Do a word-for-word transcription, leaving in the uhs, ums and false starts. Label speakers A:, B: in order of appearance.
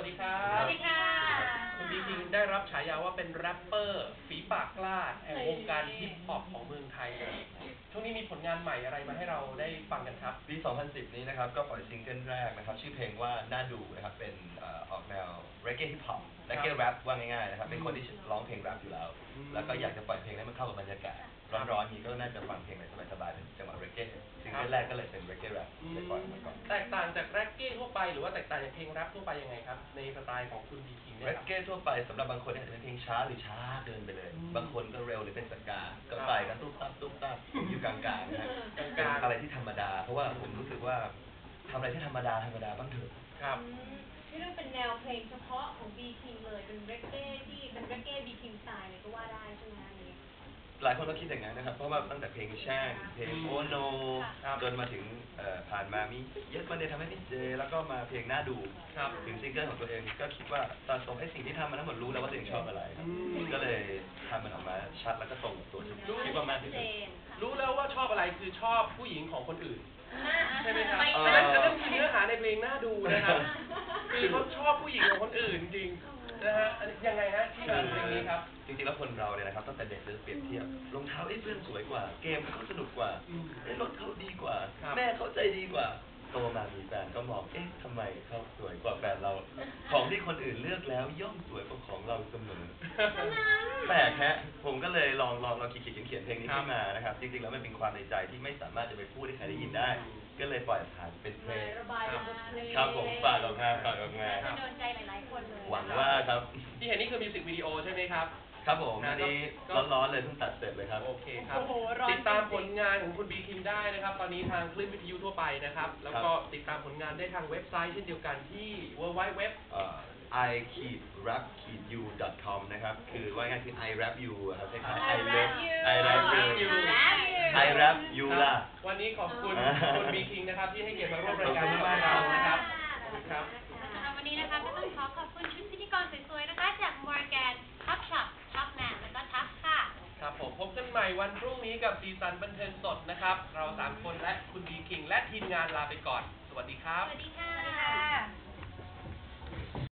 A: ดีครับ
B: สวัสดีค่ะ
A: คุณบีคิงได้รับฉายาว่าเป็นแรปเปอร์ฝีปากกล้าแห่งวงการฮิปฮอปของเมืองไทยเลยช่วงนี้มีผลงานใหม่อะไรมาให้เราได้ฟังกันครับ
C: ปี สองพันสิบ นี้นะครับก็ปล่อยซิงเกิลแรกนะครับชื่อเพลงว่าน่าดูนะครับเป็นออกแนวเรเก้ฮิปฮอปเรเก้แรปว่าง่ายๆนะครับเป็นคนที่ร้องเพลงแรปอยู่แล้วแล้วก็อยากจะปล่อยเพลงให้มันเข้ากับบรรยากาศร้อนๆนี้ก็น่าจะฟังเพลงอะไรสบายๆเป็นจังหวะเรเก้ซิงเกิลแรกก็เลยเป็นเรเก้แรปเลยปล่อยมาก่อน
A: แตกต่างจากแรปเก้ทั่วไปหรือว่าแตกต่างจากเพลงแรปทั่วไปยังไงครับในสไตล์ของคุณบีคิงเนี่ย
C: เรเก้ทั่วไปสำหรับบางคนอาจจะเป็นเพลงช้าหรือช้าเกินไปเลยบางคนก็เร็วหรือเป็นสกาก็ใส่กันตุ๊บตับตุ๊บตับอยู่กลางๆนะฮะเป็นอะไรที่ธรรมดาเพราะว่าผมรู้สึกว่าทำอะไรที่ธรรมดาธรรมดาบ้างเถอะ
A: ครับ
B: ที่เรื่องเป็นแนวเพลงเฉพาะของบีคิงเลยเป็นเรเก้ที่เป็นเรเก้บีคิงสไตล์เลยก็ว่าได้ใช่ไหมอันนี้
C: หลายคนก็คิดอย่างนั้นนะครับเพราะว่าตั้งแต่เพลงแช่งเพลงโอโนจนมาถึงผ่านมามีเยอะมันเลยทำให้พี่เจแล้วก็มาเพลงน่าดูถึงซิงเกิลของตัวเองก็คิดว่าตอนตรงไอ้สิ่งที่ทำมาทั้งหมดรู้แล้วว่าตัวเองชอบอะไรก็เลยทำมันออกมาชัดแล้วก็ตรงกับตัวที่คิดว่ามากที่สุด
A: รู้แล้วว่าชอบอะไรคือชอบผู้หญิงของคนอื่นใช่ไหมครับอัน
C: นั้
A: นอันนั้นคือเนื้อหาในเพลงน่าดูนะครับคือเขาชอบผู้หญิงของคนอื่นจริงนะฮะยังไงฮะที่มาเพลงนี้ครับ
C: จริงๆแล้วคนเราเนี่ยนะครับตั้งแต่เด็กเลยเปรียบเทียบรองเท้าไอ้เพื่อนสวยกว่าเกมเขาสนุกกว่าไอ้รถเขาดีกว่าแม่เขาใจดีกว่าโตมามีแฟนก็มองเอ๊ะทำไมเขาสวยกว่าแฟนเราของที่คนอื่นเลือกแล้วย่อมสวยกว่าของเราเสมอแปลกฮะผมก็เลยลองลองลองคิดเขียนเพลงนี้ขึ้นมานะครับจริงๆแล้วมันเป็นความในใจที่ไม่สามารถจะไปพูดให้ใครได้ยินได้ก็เลยปล่อยผ่านเป็นเพลงครับผมฝากออกมาฝากออกมา
B: โดนใจหลายๆคนเลย
C: หวังว่าครับ
A: ที่เห็นนี่คือมิวสิกวิดีโอใช่ไหมครับ
C: ครับผมอันนี้ร้อนๆเลยเพิ่งตัดเสร็จเลยครับ
A: โอเคครับติดตามผลงานของคุณบีคิงได้นะครับตอนนี้ทางคลื่นวิทยุทั่วไปนะครับแล้วก็ติดตามผลงานได้ทางเว็บไซต์เช่นเดียวกันที่ ดับเบิลยู ดับเบิลยู ดับเบิลยู ดอท
C: i rap you ดอท com นะครับคือว่าง่ายคือ I rap you ครับคล้ายๆ I love I rap you I rap you ล่ะ
A: วันนี้ขอบคุณคุณบีคิงนะครับที่ให้เกียรติมาร่วมรายการของเรานะครับขอบคุณครับ
B: สำหรับวันนี้นะคะก็ต้องขอขอบคุณชุดพิธีกรสวยๆนะคะจาก Morgan Top Shop Top Man แล้วก็ Top ค่ะ
A: ครับผมพบกันใหม่วันพรุ่งนี้กับสีสันบันเทิงสดนะครับเราสามคนและคุณบีคิงและทีมงานลาไปก่อนสวัสดีครับ
B: สวัสดีค่ะ